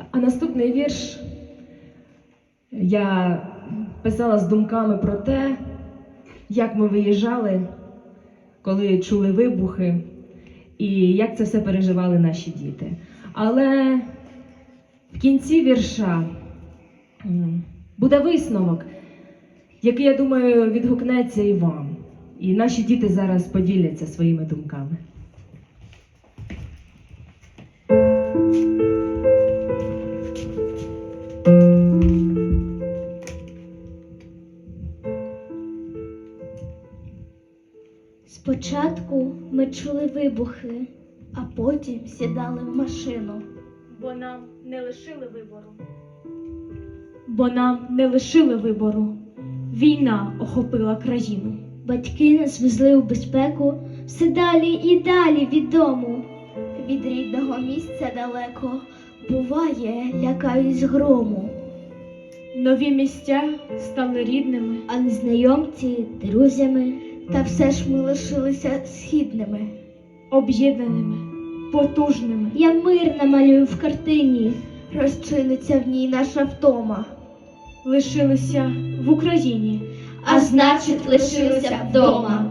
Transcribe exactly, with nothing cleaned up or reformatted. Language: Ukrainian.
А наступний вірш я писала з думками про те, як ми виїжджали, коли чули вибухи, і як це все переживали наші діти. Але в кінці вірша буде висновок, який, я думаю, відгукнеться і вам. І наші діти зараз поділяться своїми думками. Спочатку ми чули вибухи, а потім сідали в машину. Бо нам не лишили вибору. Бо нам не лишили вибору. Війна охопила країну. Батьки нас везли у безпеку все далі і далі від дому. Від рідного місця далеко, буває, лякаюсь грому. Нові місця стали рідними, А незнайомці – друзями, та все ж ми лишилися східними. об'єднаними, потужними. Я мир намалюю в картині, розчиниться в ній наша втома. Лишилися в Україні, А значить, лишилися вдома.